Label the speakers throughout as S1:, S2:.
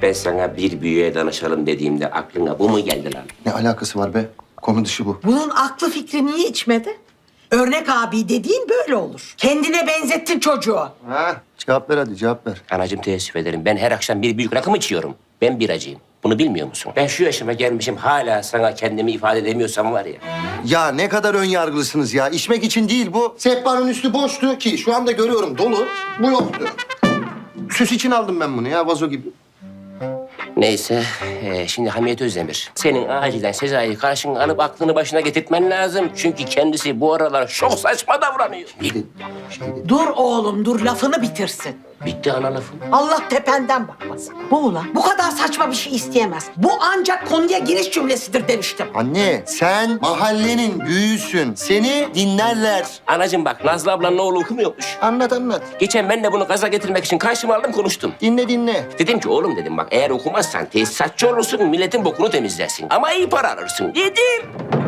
S1: Ben sana bir büyüğe danışalım dediğimde aklına bu mu geldi lan?
S2: Ne alakası var be? Konu dışı bu.
S3: Bunun aklı fikri niye içmedi? Örnek abi dediğin böyle olur. Kendine benzettin çocuğu.
S2: Ha, cevap ver hadi cevap ver.
S1: Anacığım teessüf ederim. Ben her akşam bir büyük rakım içiyorum. Ben biracıyım. Bunu bilmiyor musun? Ben şu yaşıma gelmişim hala sana kendimi ifade edemiyorsam var ya.
S2: Ya ne kadar ön yargılısınız ya. İçmek için değil bu. Sehpanın üstü boştu ki şu anda görüyorum dolu. Bu yoktu. Süs için aldım ben bunu ya vazo gibi.
S1: Neyse, şimdi Hamiyet Özdemir. Senin acilen Sezai'yi karşına alıp aklını başına getirtmen lazım. Çünkü kendisi bu aralar çok saçma davranıyor.
S3: Dur oğlum dur lafını bitirsin.
S1: Bitti ana lafım.
S3: Allah tependen bakmasın. Bu ulan bu kadar saçma bir şey isteyemez. Bu ancak konuya giriş cümlesidir demiştim.
S2: Anne sen mahallenin büyüğüsün. Seni dinlerler.
S1: Anacığım bak, Nazlı ablanın oğlu okumuyormuş.
S2: Anlat anlat.
S1: Geçen ben de bunu gaza getirmek için karşıma aldım konuştum.
S2: Dinle dinle.
S1: Dedim ki oğlum dedim bak eğer okumazsan tesisatçı olursun milletin bokunu temizlersin. Ama iyi para alırsın. Yedim.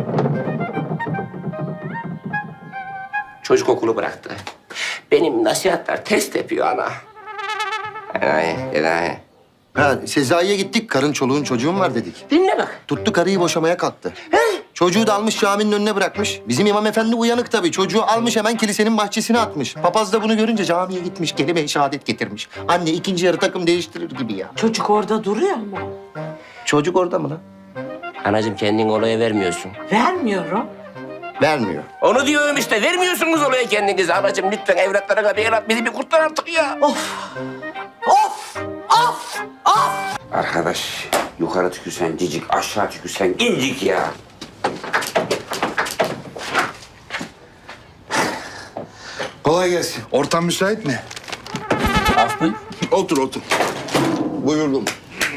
S1: Çocuk okulu bıraktı. Benim nasihatler test yapıyor ana. Enayi.
S2: Ha Sezai'ye gittik. Karın çoluğun çocuğun var dedik.
S1: Dinle bak.
S2: Tuttu karıyı boşamaya kalktı. Çocuğu da almış caminin önüne bırakmış. Bizim imam efendi uyanık tabii. Çocuğu almış hemen kilisenin bahçesine atmış. Papaz da bunu görünce camiye gitmiş. Kelime-i şehadet getirmiş. Anne ikinci yarı takım değiştirir gibi ya.
S3: Çocuk orada duruyor mu?
S2: Çocuk orada mı lan?
S1: Anacığım kendini olaya vermiyorsun.
S3: Vermiyorum.
S2: Vermiyor.
S1: Onu diyorum işte vermiyorsunuz olaya kendinizi. Anacığım lütfen evlatlarına bir el at bizi bir kurtar artık ya.
S3: Of! Of! Of! Of!
S1: Arkadaş yukarı tükürsen cicik aşağı tükürsen incik ya.
S4: Kolay gelsin. Ortam müsait mi?
S1: Af buyur.
S4: Otur otur. Buyurdum.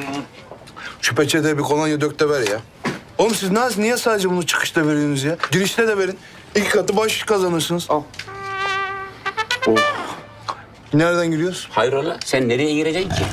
S4: Şu peçeteye bir kolonya dök de ver ya. Oğlum siz niye sadece bunu çıkışta veriyorsunuz ya? Girişte de verin. 2 katı baş kazanırsınız. Al. Oh. Nereden giriyoruz?
S1: Hayrola sen nereye gireceksin ki?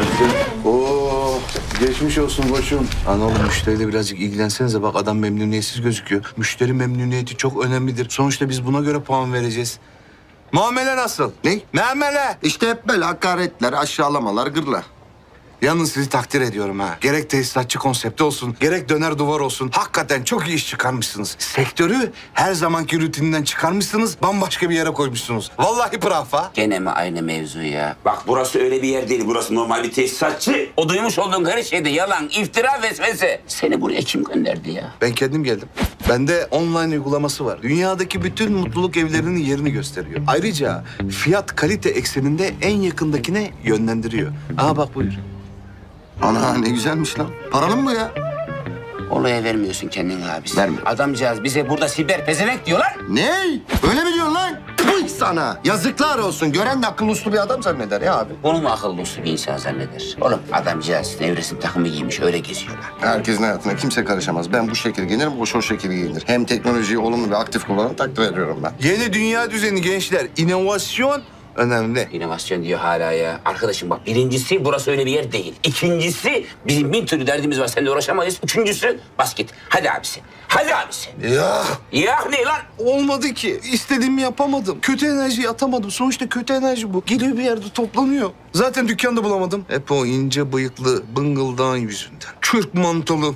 S4: Oo, geçmiş olsun koçum. Ana oğlum müşteriyle birazcık ilgilensenize. Bak adam memnuniyetsiz gözüküyor. Müşteri memnuniyeti çok önemlidir. Sonuçta biz buna göre puan vereceğiz. Muamele nasıl?
S2: Ne?
S4: Muamele.
S2: İşte hep böyle hakaretler, aşağılamalar, gırla.
S4: Yalnız sizi takdir ediyorum ha. Gerek tesisatçı konsepti olsun, gerek döner duvar olsun. Hakikaten çok iyi iş çıkarmışsınız. Sektörü her zamanki rutininden çıkarmışsınız, bambaşka bir yere koymuşsunuz. Vallahi bravo ha.
S1: Gene mi aynı mevzu ya? Bak burası öyle bir yer değil. Burası normal bir tesisatçı. O duymuş olduğun her şeyde yalan, iftira, vesvese. Seni buraya kim gönderdi ya?
S4: Ben kendim geldim. Bende online uygulaması var. Dünyadaki bütün mutluluk evlerinin yerini gösteriyor. Ayrıca fiyat kalite ekseninde en yakındakine yönlendiriyor. Aha bak buyur.
S2: Ana ne güzelmiş lan. Paralı mı bu ya?
S1: Olaya vermiyorsun kendini abisi.
S2: Vermiyorum.
S1: Adamcağız bize burada siber pezevenk diyorlar.
S2: Ne? Öyle mi diyorsun lan? Tüh sana. Yazıklar olsun. Gören de akıllı uslu bir adam zanneder ya abi.
S1: Bunu mu akıllı uslu bir insan zanneder? Oğlum adamcağız nevresim takımı giymiş öyle geziyorlar.
S2: Herkesin hayatına kimse karışamaz. Ben bu şekil giyinirim, o şekil giyinir. Hem teknolojiyi olumlu ve aktif kullanan takdir ediyorum ben.
S4: Yeni dünya düzeni gençler. İnovasyon önemli.
S1: İnovasyon diyor hala ya. Arkadaşım bak birincisi burası öyle bir yer değil. İkincisi bizim bin türlü derdimiz var. Seninle uğraşamayız. Üçüncüsü bas git. Hadi abisi. Hadi abisi.
S4: Ya
S1: Ya ne lan?
S4: olmadı ki. İstediğimi yapamadım. Kötü enerjiyi atamadım. Sonuçta kötü enerji bu. Geliyor bir yerde toplanıyor. Zaten dükkanda bulamadım. Hep o ince bıyıklı bıngıldağın yüzünden. Kürk mantolu.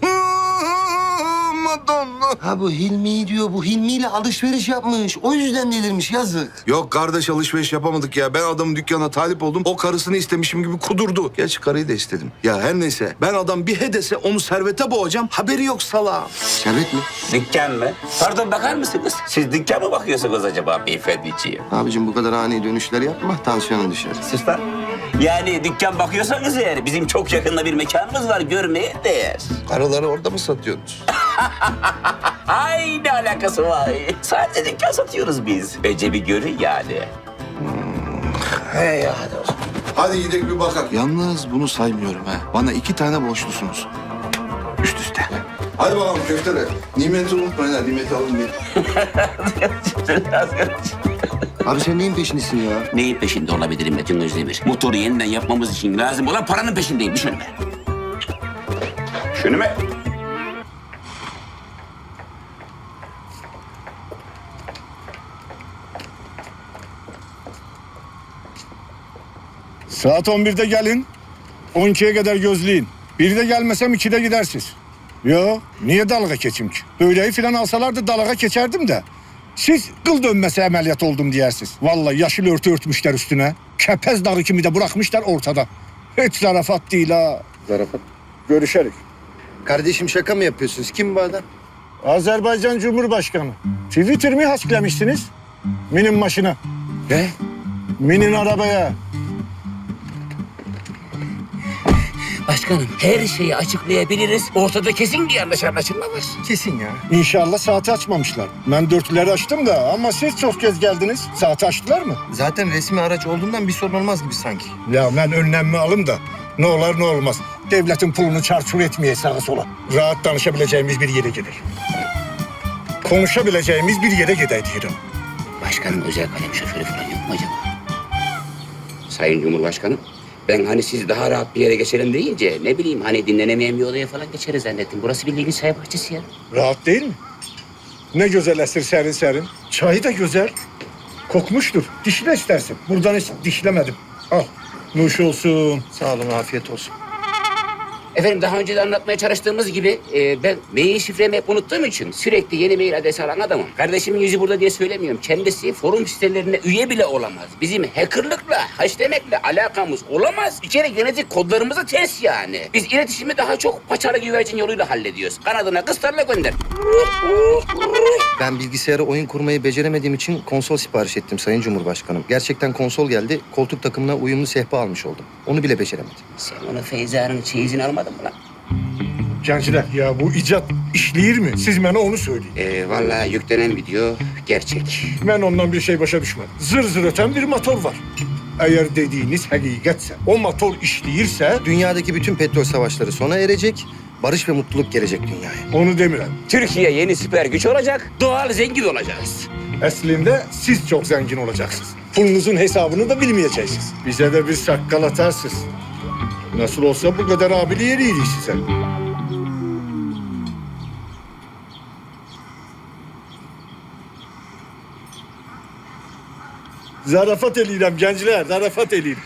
S4: Madonna.
S2: Ha bu Hilmi diyor. Bu Hilmi ile alışveriş yapmış. O yüzden delirmiş yazık.
S4: Yok kardeş alışveriş yapamadık ya. Ben adamın dükkanına talip oldum. O karısını istemişim gibi kudurdu. Gerçi karıyı da istedim. Ya her neyse. Ben adam bir hedese onu servete boğacağım. Haberi yok salağım.
S2: Servet mi?
S1: Dükkan mı? Pardon bakar mısınız? Siz dükkan mı bakıyorsunuz acaba beyefendiciğim?
S2: Abicim bu kadar ani dönüşler yapma. Tansiyonun düşer.
S1: Sus lan. Yani dükkan bakıyorsanız eğer bizim çok yakında bir mekanımız var görmeye değer.
S4: Karıları orada mı satıyorsunuz?
S1: Ay ne alakası var? Sadece dükkan satıyoruz biz. Önce bir görün yani.
S4: He ya hadi olsun. Hadi gidelim bir bakalım. Yalnız bunu saymıyorum ha. Bana 2 tane borçlusunuz. Üst üste. Hadi bakalım köfteler. Nimeti unutmayın ha. Nimeti alın diye.
S2: Abi sen neyin peşindesin ya?
S1: Neyin peşinde olabilirim Metin Özdemir? Motoru yeniden yapmamız için lazım olan paranın peşindeyim. Düş önüme. Düş önüme.
S4: Saat 11'de gelin.
S5: 12'ye kadar gözleyin. Bir de gelmesem 2'de gidersiniz. Yo, niye dalga geçeyim ki? Böyleyi falan alsalardı dalga geçerdim de. Siz kıl dönmesi ameliyat oldum diyersiniz. Vallahi yeşil örtü örtmüşler üstüne. Kepez dağı kimi de bırakmışlar ortada. Hiç zarafat değil ha.
S2: Zarafat.
S5: Görüşerik.
S2: Kardeşim şaka mı yapıyorsunuz? Kim bu adam?
S5: Azerbaycan Cumhurbaşkanı. Twitter mi hasklemişsiniz? Minin maşına.
S2: Ne?
S5: Minin arabaya.
S1: Başkanım her şeyi açıklayabiliriz. Ortada kesin bir yanlış anlaşılma var.
S2: Kesin ya.
S5: İnşallah saati açmamışlar. Ben dörtleri açtım da ama siz çok kez geldiniz. Saati açtılar mı?
S2: Zaten resmi araç olduğundan bir sorun olmaz gibi sanki.
S5: Ya ben önlemimi alım da ne olur ne olmaz. Devletin pulunu çarçur etmeye sağa sola. Rahat danışabileceğimiz bir yere gider. Konuşabileceğimiz bir yere gider diyorum.
S1: Başkanım özel kalem şoförü falan yok mu acaba? Sayın Cumhurbaşkanım, ben hani siz daha rahat bir yere geçelim deyince ne bileyim hani dinlenemeyen bir odaya falan geçeriz zannettim. Burası bildiğin çay bahçesi ya.
S5: Rahat değil mi? Ne güzel esir serin serin. Çayı da güzel. Kokmuştur. Dişle istersin. Buradan hiç dişlemedim. Al. Nuş olsun.
S2: Sağ olun, afiyet olsun.
S1: Efendim daha önce de anlatmaya çalıştığımız gibi ben mail şifremi hep unuttuğum için sürekli yeni mail adresi alan adamım. Kardeşimin yüzü burada diye söylemiyorum. Kendisi forum sitelerine üye bile olamaz. Bizim hackerlıkla, haşlemekle alakamız olamaz. Bir kere genetik kodlarımıza ters yani. Biz iletişimi daha çok paçalı güvercin yoluyla hallediyoruz. Kanadına kıstarla gönder.
S2: Ben bilgisayara oyun kurmayı beceremediğim için konsol sipariş ettim Sayın Cumhurbaşkanım. Gerçekten konsol geldi. Koltuk takımına uyumlu sehpa almış oldum. Onu bile beceremedim.
S1: Sen onu Feyza'nın çeyizini almadın mı lan?
S5: Gençler ya bu icat işleyir mi? Siz bana onu söyleyin.
S1: Vallahi yüklenen video gerçek.
S5: Ben ondan bir şey başa düşmedim. Zır zır öten bir motor var. Eğer dediğiniz hakikatse, o motor işleyirse
S2: Dünyadaki bütün petrol savaşları sona erecek. Barış ve mutluluk gelecek dünyaya.
S5: onu demirem.
S1: Türkiye yeni süper güç olacak, doğal zengin olacağız.
S5: Aslında siz çok zengin olacaksınız. Pulunuzun hesabını da bilmeyeceksiniz. Bize de bir sakkal atarsınız. Nasıl olsa bu kadar abili yeriydi size. Zarafat eleyim gençler, zarafat eleyim.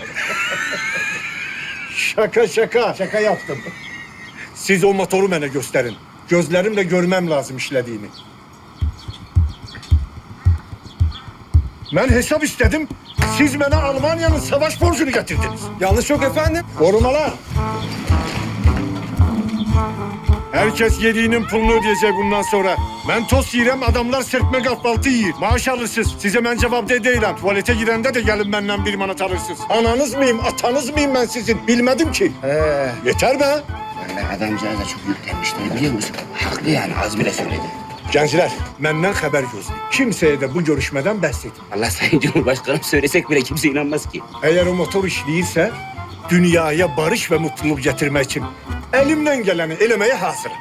S5: Şaka yaptım. Siz o motoru bana gösterin. Gözlerimle görmem lazım işlediğini. Ben hesap istedim. Siz bana Almanya'nın savaş borcunu getirdiniz.
S6: Yanlış yok efendim.
S5: Korumalar. Herkes yediğinin pulunu ödeyecek bundan sonra. Ben tost yiyirem, adamlar serpme kahvaltı yiyir. Maaş alırsınız. Size ben cevap değilim. Tuvalete girende de gelin benden bir manat alırsınız. Ananız mıyım, atanız mıyım ben sizin? Bilmedim ki. Yeter be.
S1: Vallahi adamcağıza çok yüklenmişler biliyor musun? Haklı yani az bile söyledi.
S5: Gençler, benden haber gözleyin. Kimseye de bu görüşmeden bahsedin.
S1: Allah Sayın Cumhurbaşkanım söylesek bile kimse inanmaz ki.
S5: Eğer o motor işleyirse dünyaya barış ve mutluluk getirmek için elimden geleni elemeye hazırım.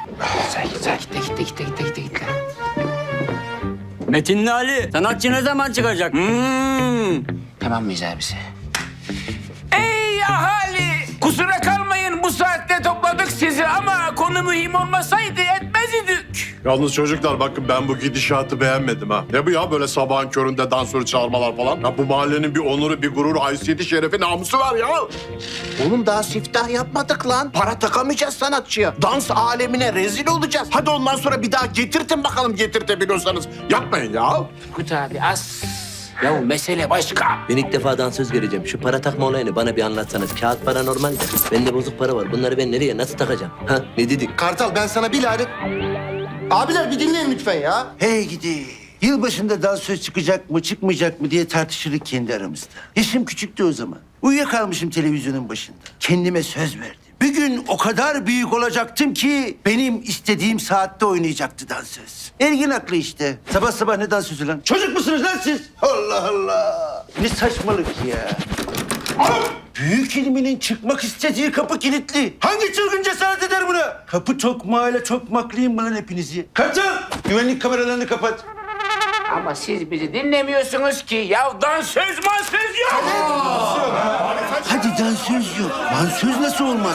S1: Gitti.
S6: Metinli Ali, sanatçı ne zaman çıkacak?
S1: Tamam mıyız abisi? Ey ahali! Kusura kalmayın bu saatte topladık sizi ama konu mühim olmasaydı etmez idik.
S7: Yalnız çocuklar bakın ben bu gidişatı beğenmedim ha. Ne bu ya böyle sabahın köründe dansörü çağırmalar falan? Ya bu mahallenin bir onuru, bir gururu, haysiyeti, şerefi, namusu var ya.
S8: Oğlum daha siftah yapmadık lan. Para takamayacağız sanatçıya. Dans alemine rezil olacağız. Hadi ondan sonra bir daha getirtin bakalım getirtebiliyorsanız.
S7: Yapmayın ya.
S1: Kut abi az. Ya mesele başka.
S9: Ben ilk defa dansöz göreceğim. Şu para takma olayını bana bir anlatsanız. Kağıt para normal de. Bende bozuk para var. Bunları ben nereye, nasıl takacağım? Ha, ne dedik?
S2: Kartal ben sana bir lanet... Abiler bir dinleyin lütfen ya.
S8: Hey gidi. Yılbaşında dansöz çıkacak mı çıkmayacak mı diye tartışırdık kendi aramızda. Yaşım küçüktü o zaman. Uyuyakalmışım televizyonun başında. Kendime söz verdim. Bir gün o kadar büyük olacaktım ki benim istediğim saatte oynayacaktı dansöz. Ergin aklı işte. Sabah sabah ne dansözü lan? Çocuk musunuz lan siz? Allah Allah. Ne saçmalık ya. Büyük ilminin çıkmak istediği kapı kilitli. Hangi çılgın cesaret eder buna? Kapı tokmağıyla tokmaklayayım mı lan hepinizi? Kartal! Güvenlik kameralarını kapat.
S1: Ama siz bizi dinlemiyorsunuz ki. Ya dansöz mansöz yok.
S8: Hadi dansöz yok. Dansöz nasıl olmaz?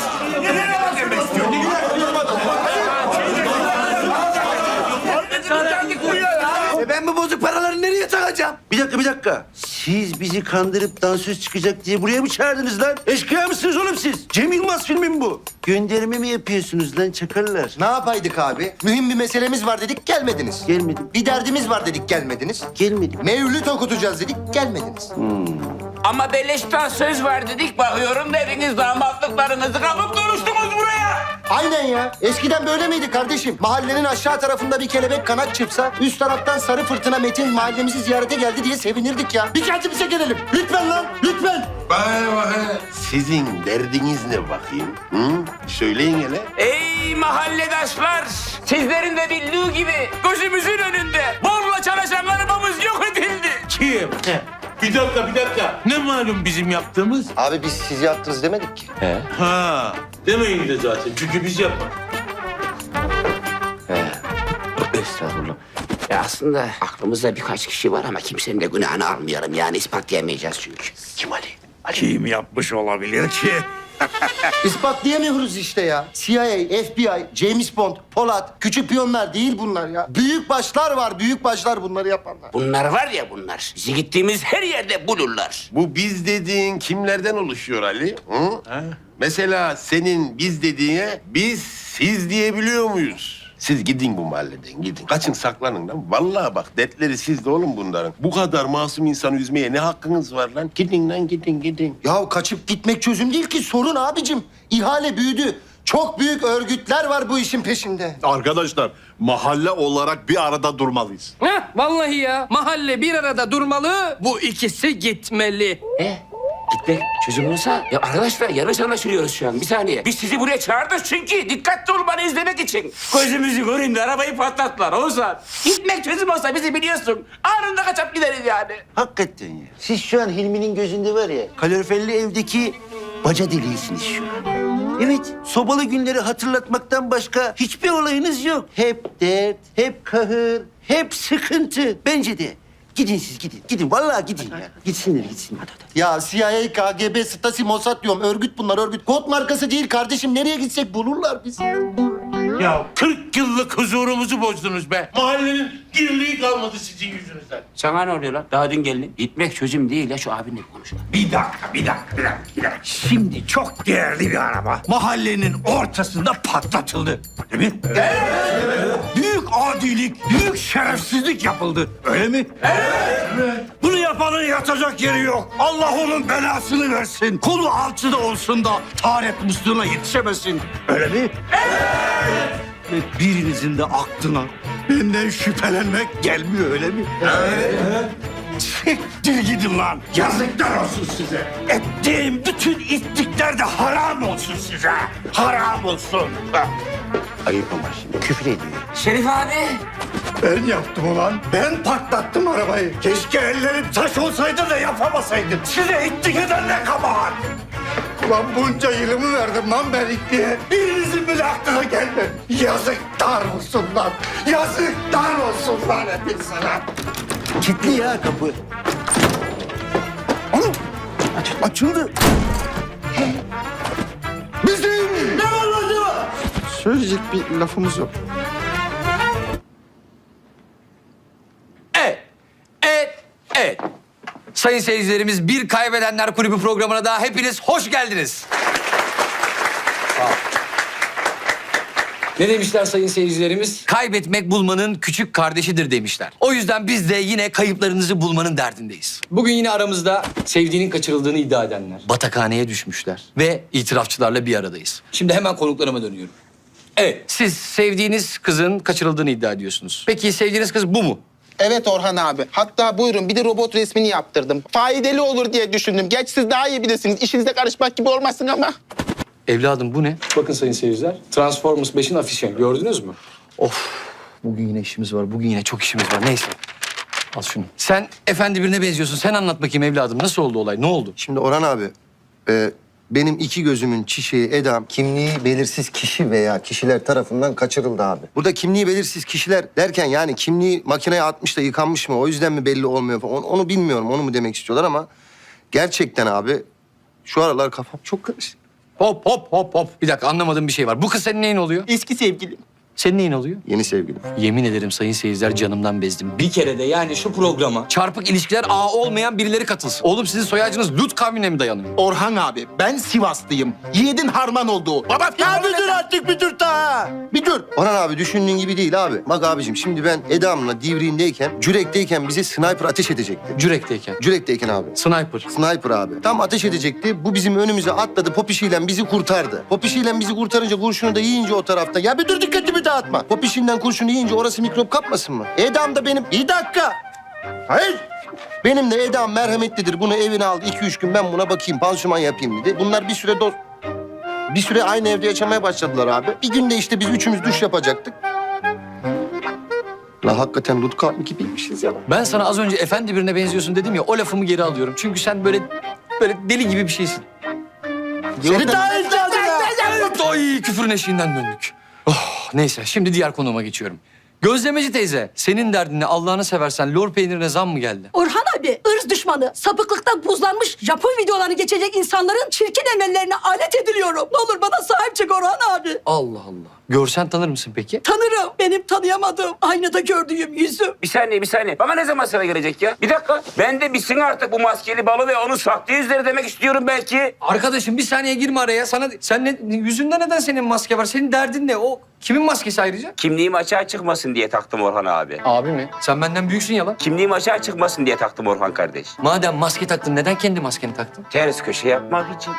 S8: Ben bu bozuk paraları nereye takacağım? Bir dakika. Siz bizi kandırıp dansöz çıkacak diye buraya mı çağırdınız lan? Eşkıya mısınız oğlum siz? Cem Yılmaz filmi mi bu? Gönderme mi yapıyorsunuz lan çakallar?
S2: Ne yapaydık abi? Mühim bir meselemiz var dedik, gelmediniz.
S8: Gelmedim.
S2: Bir derdimiz var dedik, gelmediniz.
S8: Gelmedim.
S2: Mevlüt okutacağız dedik, gelmediniz.
S1: Ama beleşten söz var dedik. Bakıyorum da hepiniz damatlıklarınızı kapıp duruştunuz buraya.
S2: Aynen ya. Eskiden böyle miydi kardeşim? Mahallenin aşağı tarafında bir kelebek kanat çırpsa, üst taraftan sarı fırtına Metin mahallemizi ziyarete geldi diye sevinirdik ya. Bir kendimize gelelim. Lütfen lan, lütfen.
S10: Sizin derdiniz ne bakayım? Hı? Söyleyin hele.
S1: Ey mahalledaşlar! Sizlerin de bildiği gibi gözümüzün önünde borla çalışan arabamız yok edildi.
S10: Kim? Bir dakika. Ne malum bizim yaptığımız?
S2: Abi biz siz yaptınız demedik ki.
S10: Ha, demeyin de zaten. Çünkü biz yapmadık.
S1: Estağfurullah. Ya aslında aklımızda birkaç kişi var ama kimsenin de günahını almayalım. Yani ispatlayamayacağız çünkü.
S10: Kim Ali?
S5: Kim yapmış olabilir ki?
S2: İspatlayamıyoruz işte ya. CIA, FBI, James Bond, Polat, küçük piyonlar değil bunlar ya. Büyük başlar var, büyük başlar bunları yapanlar.
S1: Bunlar var ya bunlar. Bizi gittiğimiz her yerde bulurlar.
S10: Bu biz dediğin kimlerden oluşuyor Ali? Hı? Mesela senin biz dediğine biz siz diyebiliyor muyuz? Siz gidin bu mahalleden gidin. Kaçın saklanın lan. Vallahi bak dertleri sizde oğlum bunların. Bu kadar masum insanı üzmeye ne hakkınız var lan? Gidin lan gidin.
S2: Ya kaçıp gitmek çözüm değil ki, sorun abicim. İhale büyüdü. Çok büyük örgütler var bu işin peşinde.
S7: Arkadaşlar mahalle olarak bir arada durmalıyız.
S6: Heh, vallahi ya. Mahalle bir arada durmalı. Bu ikisi gitmeli.
S1: Gitmek çözüm olsa... Ya arkadaşlar yanlış anlaşılıyoruz şu an. Bir saniye. Biz sizi buraya çağırdık çünkü dikkatli olmanı izlemek için. Gözümüzü görün de arabayı patlattılar Oğuzhan. Gitmek çözüm olsa bizi biliyorsun. Anında kaçıp gideriz yani.
S8: Hakikaten ya. Siz şu an Hilmi'nin gözünde var ya, kaloriferli evdeki baca deliğisiniz şu an. Evet, sobalı günleri hatırlatmaktan başka hiçbir olayınız yok. Hep dert, hep kahır, hep sıkıntı. Bence de. Gidin siz gidin. Gidin vallahi gidin ya. Gitsinler. Hadi.
S2: Ya CIA, KGB, Stasi, Mossad diyorum. Örgüt bunlar, örgüt. Kod markası değil kardeşim. Nereye gitsek bulurlar bizi.
S10: Ya 40 yıllık huzurumuzu bozdunuz be. Mahallenin dirliği kalmadı sizin yüzünüzden.
S1: Sana ne oluyor lan? Daha dün geldin. Gitmek çözüm değil ya, şu abinle konuş lan.
S5: Bir dakika. Şimdi çok değerli bir araba mahallenin ortasında patlatıldı. Değil mi? Evet. Büyük adilik, büyük şerefsizlik yapıldı. Öyle mi? Evet. Bunu yapanın yatacak yeri yok. Allah onun belasını versin. Kolu alçıda olsun da taharet musluğuna yetişemesin. Öyle mi? Evet. Ve birinizin de aklına benden şüphelenmek gelmiyor öyle mi? Evet. Siktir gidin lan. Yazıklar olsun size. Ettiğim bütün ittikler de haram olsun size. Haram olsun.
S8: Ayıp ama şimdi küfür ediyor.
S1: Şerif abi.
S5: Ben yaptım ulan. Ben patlattım arabayı. Keşke ellerim taş olsaydı da yapamasaydım. Size ittik eden ne kabahat. Ulan bunca yılımı verdim lan ben itliğe. Birinizin bile aklına gelmedi. Yazıklar olsun lan. Yazıklar olsun lan hepinize lan.
S8: Kilitli ya kapı.
S5: Oğlum açıldı. Bizim. Ne var lan ne var?
S2: Söyleyecek bir lafımız yok.
S11: Evet. Sayın seyircilerimiz, Bir Kaybedenler Kulübü programına daha hepiniz hoş geldiniz. Ne demişler sayın seyircilerimiz? Kaybetmek bulmanın küçük kardeşidir demişler. O yüzden biz de yine kayıplarınızı bulmanın derdindeyiz.
S6: Bugün yine aramızda sevdiğinin kaçırıldığını iddia edenler.
S11: Batakhaneye düşmüşler ve itirafçılarla bir aradayız.
S6: Şimdi hemen konuklarıma dönüyorum.
S11: Evet, siz sevdiğiniz kızın kaçırıldığını iddia ediyorsunuz. Peki sevdiğiniz kız bu mu?
S12: Evet Orhan abi. Hatta buyurun bir de robot resmini yaptırdım. Faydalı olur diye düşündüm. Geç siz daha iyi bilirsiniz. İşinize karışmak gibi olmasın ama.
S11: Evladım bu ne?
S6: Bakın sayın seyirciler, Transformers 5'in afişi gördünüz mü?
S11: Of, bugün yine işimiz var. Bugün yine çok işimiz var. Neyse. Al şunu. Sen efendi birine benziyorsun. Sen anlat bakayım evladım. Nasıl oldu olay? Ne oldu?
S2: Şimdi Orhan abi, benim iki gözümün çiçeği Edam, kimliği belirsiz kişi veya kişiler tarafından kaçırıldı abi. Burada kimliği belirsiz kişiler derken yani kimliği makineye atmış da yıkanmış mı, o yüzden mi belli olmuyor falan, onu bilmiyorum, onu mu demek istiyorlar ama gerçekten abi şu aralar kafam çok karışık.
S11: Hop. Bir dakika anlamadığım bir şey var. Bu kız senin neyin oluyor?
S12: Eski sevgilim.
S11: Senin neyin oluyor?
S2: Yeni sevgilim.
S11: Yemin ederim sayın seyirciler canımdan bezdim. Bir kere de yani şu programa çarpık ilişkiler ağı olmayan birileri katılsın. Oğlum sizin soy ağacınız Lut kavmine mi dayanıyor?
S12: Orhan abi ben Sivaslıyım. Yiğidin harman olduğu. Baba
S2: Ya bir dur artık bir dur ta. Bir dur. Orhan abi düşündüğün gibi değil abi. Bak abicim şimdi ben Eda'mla Divriğindeyken, Cürek'teyken bize sniper ateş edecekti.
S11: Cürek'teyken.
S2: Cürek'teyken abi.
S11: Sniper.
S2: Sniper abi. Tam ateş edecekti. Bu bizim önümüze atladı. Popişiyle bizi kurtardı. Popişiyle bizi kurtarınca kurşunu da yiyince o tarafta. Ya bir dur dikkatimi dağıtma. Popişinden kurşunu yiyince orası mikrop kapmasın mı? Eda'm da benim... Bir dakika. Hayır. Benim de Eda'm merhametlidir. Bunu evine aldı. 2-3 gün ben buna bakayım, pansuman yapayım dedi. Bunlar bir süre Bir süre aynı evde yaşamaya başladılar abi. Bir günde işte biz üçümüz duş yapacaktık. La hakikaten Lut kavmi gibiymişiz ya.
S11: Ben sana az önce efendi birine benziyorsun dedim ya, o lafımı geri alıyorum. Çünkü sen böyle deli gibi bir şeysin.
S2: Seni daha
S11: Evet, ay küfürün eşiğinden döndük. Oh, neyse şimdi diğer konuma geçiyorum. Gözlemeci teyze, senin derdin Allah'ını seversen lor peynirine zam mı geldi?
S3: Orhan abi ırz düşmanı, sapıklıktan buzlanmış Japon videolarını geçecek insanların çirkin emellerine alet ediliyorum. Ne olur bana sahip çık Orhan abi.
S11: Allah Allah. Görsen tanır mısın peki?
S3: Tanırım. Benim tanıyamadığım, aynada gördüğüm yüzüm.
S1: Bir saniye. Bana ne zaman sıra gelecek ya? Bir dakika. Ben de bitsin artık bu maskeli balı ve onun sahte yüzleri demek istiyorum belki.
S11: Arkadaşım bir saniye girme araya. Yüzünde neden senin maske var? Senin derdin ne? O kimin maskesi ayrıca?
S1: Kimliğim açığa çıkmasın diye taktım Orhan abi.
S11: Abi mi? Sen benden büyüksün ya lan.
S1: Kimliğim açığa çıkmasın diye taktım Orhan kardeş.
S11: Madem maske taktın neden kendi maskeni taktın?
S1: Ters köşe yapmak için.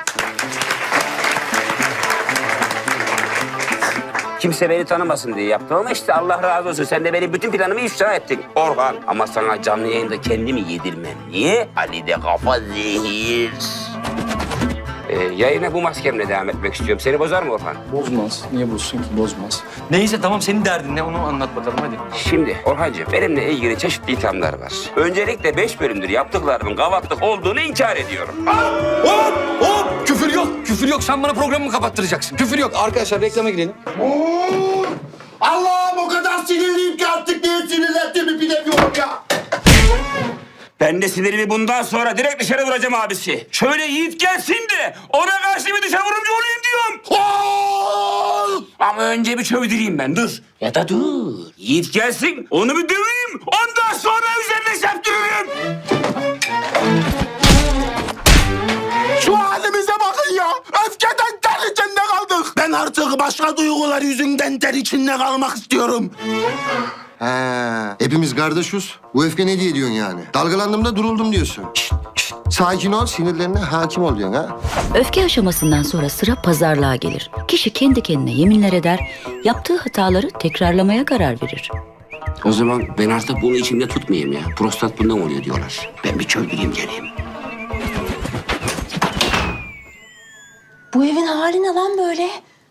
S1: Kimse beni tanımasın diye yaptım ama işte Allah razı olsun. Sen de benim bütün planımı ifşa ettin Orhan. Ama sana canlı yayında kendimi yedirmem. Niye? Ali de kafa zehir. Yayına bu maskemle devam etmek istiyorum. Seni bozar mı Orhan?
S11: Bozmaz. Niye bozsun ki? Bozmaz. Neyse tamam senin derdin ne onu anlat bakalım hadi.
S1: Şimdi Orhancığım benimle ilgili çeşitli ithamlar var. Öncelikle 5 bölümdür yaptıklarımın gavatlık olduğunu inkar ediyorum.
S11: Hop! Küfür yok. Küfür yok. Sen bana programımı kapattıracaksın. Küfür yok. Arkadaşlar reklama gidelim.
S2: Allah'ım o kadar sinirliyim ki artık niye sinirlendiğimi bilemiyorum ya.
S1: Ben de sinirimi bundan sonra direkt dışarı vuracağım abisi. Şöyle Yiğit gelsin de ona karşı bir dışarı vurumcu olayım diyorum. Ama önce bir çövdüreyim ben dur. Ya da dur. Yiğit gelsin onu bir döveyim. Ondan sonra üzerine septiririm.
S12: Şu halimize bakın ya. Öfkeden ter içinde kaldık. Ben artık başka duygular yüzünden ter içinde kalmak istiyorum.
S2: Ha, hepimiz kardeşiz. Bu öfke ne diye diyorsun yani? Dalgalandığımda duruldum diyorsun. Şşt, sakin ol, sinirlerine hakim ol diyorsun ha.
S13: Öfke aşamasından sonra sıra pazarlığa gelir. Kişi kendi kendine yeminler eder, yaptığı hataları tekrarlamaya karar verir.
S1: O zaman ben artık bunu içimde tutmayayım ya. Prostat bundan oluyor diyorlar. Ben bir çövdüreyim geleyim.
S14: Bu evin hali ne lan böyle?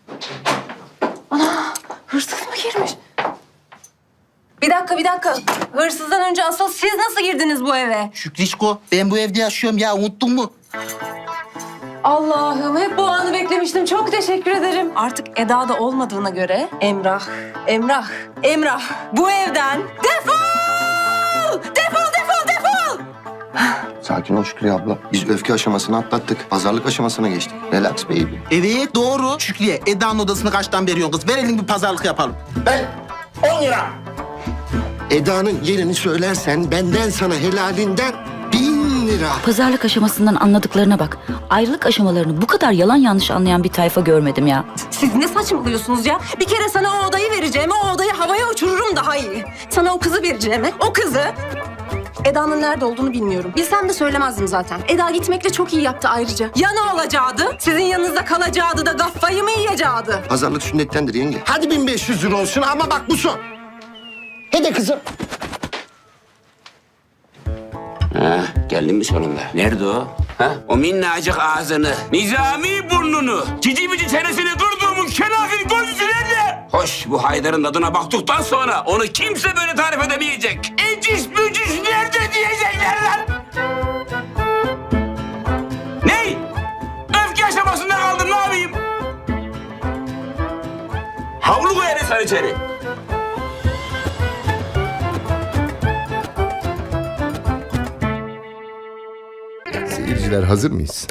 S14: Ana hırsız mı girmiş? Bir dakika. Hırsızdan önce asıl siz nasıl girdiniz bu eve?
S12: Şükrişko ben bu evde yaşıyorum ya unuttun mu?
S14: Allah'ım hep bu anı beklemiştim. Çok teşekkür ederim. Artık Eda da olmadığına göre Emrah. Bu evden defol! Defol!
S2: Sakin ol Şükrü abla. Biz öfke aşamasını atlattık. Pazarlık aşamasına geçtik. Relax baby.
S12: Evet doğru. Şükriye Eda'nın odasını kaçtan veriyorsun kız? Ver elini bir pazarlık yapalım.
S2: Ben 10 lira. Eda'nın yerini söylersen benden sana helalinden 1000 lira.
S13: Pazarlık aşamasından anladıklarına bak. Ayrılık aşamalarını bu kadar yalan yanlış anlayan bir tayfa görmedim ya.
S14: Siz ne saçmalıyorsunuz ya? Bir kere sana o odayı vereceğime o odayı havaya uçururum daha iyi. Sana o kızı vereceğime o kızı... Eda'nın nerede olduğunu bilmiyorum. Bilsem de söylemezdim zaten. Eda gitmekle çok iyi yaptı ayrıca. Ya ne olacaktı? Sizin yanınızda kalacaktı da gaffayı mı yiyecekti?
S2: Pazarlık sünnettendir yenge. Hadi 1500 lira olsun ama bak bu son. Hadi kızım.
S1: Ha, geldin mi sonunda? Nerede o? Ha? O minnacık ağzını, nizami burnunu, cici bici çenesini kırdığımın kenafir gözlüsü nerede? Hoş, bu Haydar'ın tadına baktıktan sonra onu kimse böyle tarif edemeyecek. Ecis bücis nerede diyecekler lan? Ney? Öfke aşamasında kaldım, ne yapayım? Havlu koyarız sen içeri.
S12: seyirciler hazır mıyız?